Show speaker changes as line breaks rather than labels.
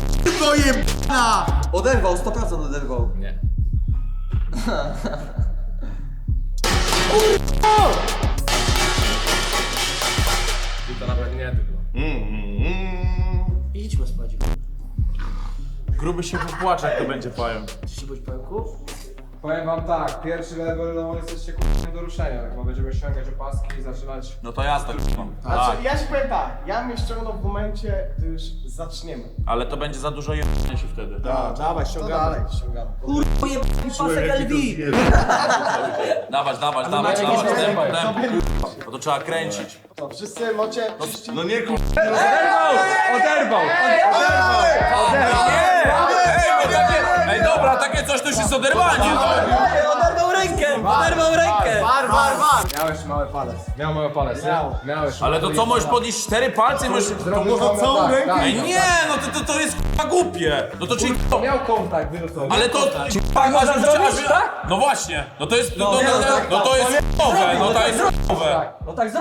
Kurwa jebana!
Oderwał, 100% oderwał.
Nie. I to nawet nie tylko.
Idźmy spać.
Gruby się popłacze, jak to będzie powiem.
Chcecie być pająków?
Powiem wam tak, pierwszy level no jesteście k***nie do ruszenia, bo będziemy ściągać opaski i zaczynać...
No to jazda, kurwa.
Znaczy, ja ci powiem tak, ja mnie ściągnął w momencie, gdy już zaczniemy.
Ale to będzie za dużo jebania się wtedy.
Dawaj, ściągamy.
Kurwa jebany pasek LV!
Dawać, tempo. No to trzeba kręcić.
To wszyscy macie...
No nie kurwa.
Oderwał!
Ej, dobra, takie coś to już jest oderwanie.
Oderwał rękę! Oderwał rękę!
War!
Miałeś mały palec. Miał mały palec, nie? Miałeś.
Ale to co, możesz podnieść 4 palce i możesz...
Można całą rękę?
Ej, nie, no to jest kurwa głupie. No to czyli...
Miał kontakt, wyrósł.
Ale to... Można zrobić, tak? No właśnie. No to jest... No to jest nowe, no to jest nowe.
No tak